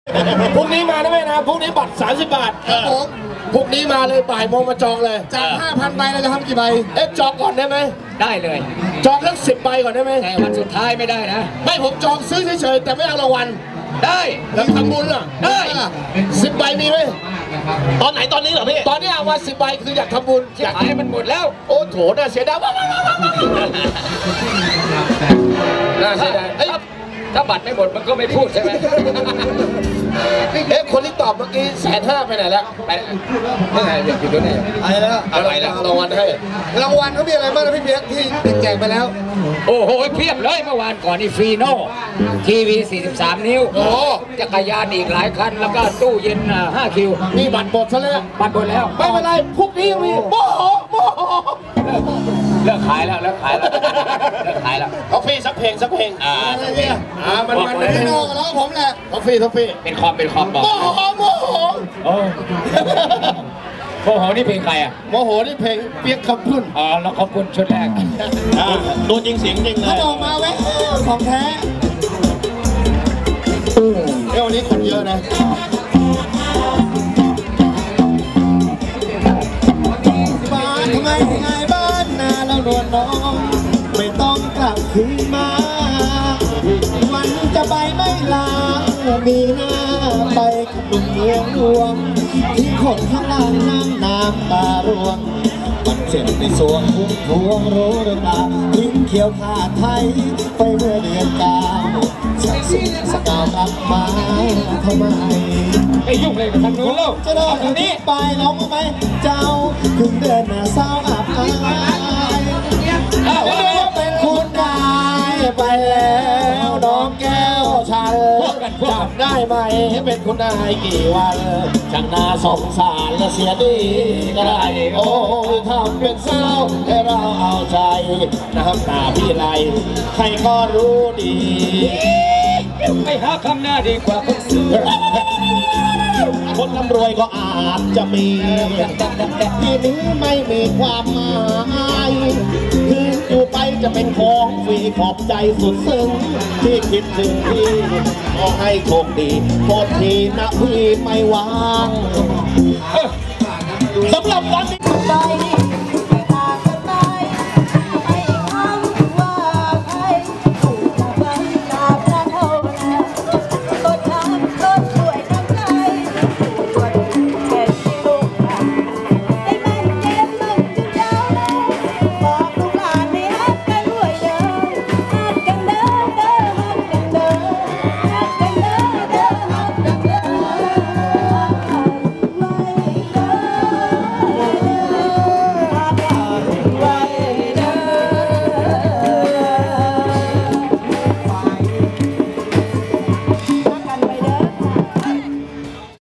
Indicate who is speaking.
Speaker 1: พรุ่งนี้มาได้ไหมนะพรุ่งนี้บัตร30 บาทครับผมพรุ่งนี้มาเลยบ่ายโมงมาจองเลย
Speaker 2: จาก 5,000 ใบเราจะทำกี่ใบ
Speaker 1: จองก่อนได้ไหม
Speaker 3: ได้เลย
Speaker 1: จองทั้ง10 ใบก่อนได้ไหม
Speaker 3: แต่วันสุดท้ายไม่ได้นะ
Speaker 1: ไม่ผมจองซื้อเฉยๆแต่ไม่เอารางวัล
Speaker 3: ได้
Speaker 1: แล้วทำบุญล่ะ
Speaker 3: ได้
Speaker 1: 10 ใบมีไหมตอนไหนตอนนี้เหรอพี่ตอนนี้เอามา10 ใบคืออยากทำบุญ
Speaker 3: อยากให้มันหมดแล้ว
Speaker 1: โอ้โถน่าเสียดายน่าเสียดาย
Speaker 3: ถ้าบัตรไม่หมดมันก็ไม่พูดใช่ไหม
Speaker 1: คนที่ตอบเมื่อกี้150,000ไปไหนแล้ว
Speaker 3: ไปไม่ไหนอยากอยู่ด้วยไหน
Speaker 1: อะไรแล้วอะไรแล้วรางวัลให้รางวัลเขามีอะไรบ้างนะพี่เพียรที่แจกไปแล้ว
Speaker 3: โอ้โหเพียบเลยเมื่อวานก่อนนี่ฟรีโน่ทีวี43 นิ้ว
Speaker 1: โอ้
Speaker 3: จักรยานอีกหลายคันแล้วก็ตู้เย็น5 คิว
Speaker 1: นี่บัตรหมดซะแล้ว
Speaker 3: บัตรหมดแล้ว
Speaker 1: ไม่เป็นไรพวกนี้ยังมีโมโห
Speaker 3: เลิกขายแล้วเลิกขายแล้ว
Speaker 1: ท็อฟฟี่สักเพลงอะไรเนี่ยมันไม่นอกแล้วผมแหละท็อฟฟี่
Speaker 3: เป็นคอมบอก
Speaker 1: โมโห
Speaker 3: โอ้โหนี่เพลงใครอ่ะ
Speaker 1: โมโหนี่เพลงเปียกคำพุ่น
Speaker 3: แล้วขอบคุณชุดแรก
Speaker 1: ตัวจริงเสียงจริงเลย
Speaker 2: เขาบอกมาแวะของแท้
Speaker 1: วันนี้คนเยอะนะ
Speaker 2: บ้านทำไมไงบ้านนาเราโดนน้องไม่ต้องกลับคืนมาวันจะไปไม่ลามีหน้าไปกับลุงเมืองหลวงที่คนข้างล่างน้ำตาร่วงมันเจ็บในสวงพุ่งพวงรู้หรือเปล่าทิ้งเขียวขาดไทยไปเมื่อเดือน9สักสุดสกาวรับมาทำไม
Speaker 3: ไอ้ยุ่งเลยกับทางนู้นแล้ว
Speaker 2: จะโดนนี้ไปร้องไหมเจ้าถึงเดินหน้าเศร้าอับอายเป็นคุณนายไปแล้วน้องแก้วฉันจำได้ไหมเป็นคุณนายกี่วันช่างน่าสงสารและเสียดีก็ได้โอ้ทำเป็นเศร้าให้เราเอาใจน้ำตาพี่ไหลใครก็รู้ดี
Speaker 3: ไม่หาคำหน้าดีกว่าคนซื้อ
Speaker 2: คนร่ำรวยก็อาจจะมีทีนี้ไม่มีความหมายคืออยู่ไปจะเป็นของฟรีขอบใจสุดซึ้งที่คิดถึงพี่ขอให้โชคดีโทษทีนะพี่ไม่วางสำหรับวันนี้